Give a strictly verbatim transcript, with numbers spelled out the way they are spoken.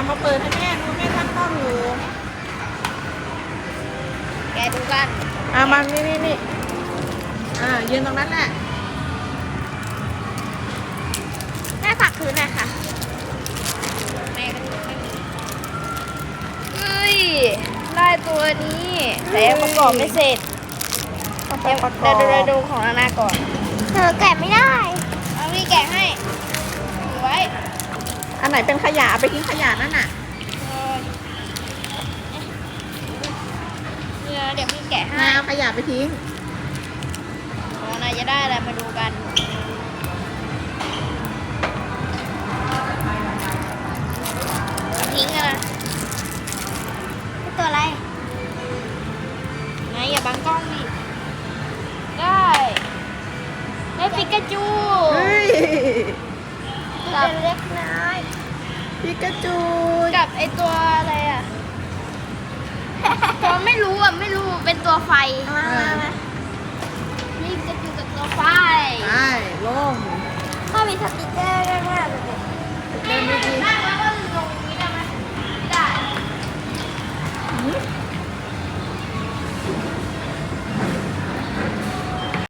มาเปิดให้แม่ดูแม่ตั้งกล้องอยู่แกดูกันอ่ะมานี่นี่นี่อ่ายืนตรงนั้นแหละแม่ฝากคืนหน่อยค่ะแม่ก็ไม่มีเฮ้ยได้ตัวนี้แต่ยังประกอบไม่เสร็จต้องไปเดี๋ยวประกเดี๋อยวบเดี๋ยวดูของนานาก่อนเธอแกะไม่ได้เอาพี่แกะให้ถือไว้อันไหนเป็นขยะเอาไปทิ้งขยะนั่นน่ะเออเดี๋ยวเดี๋ยวพี่แกะให้นาเอาขยะไปทิ้งของนายจะได้อะไรมาดูกันทิ้งกันนะตัวอะไรนายอย่าบังกล้องดิได้ได้ปิกาจูเฮ้ยกับเล็กน้อยปิกาจูกับไอตัวอะไรอ่ะ ตัวไม่รู้อ่ะไม่รู้เป็นตัวไฟอ่า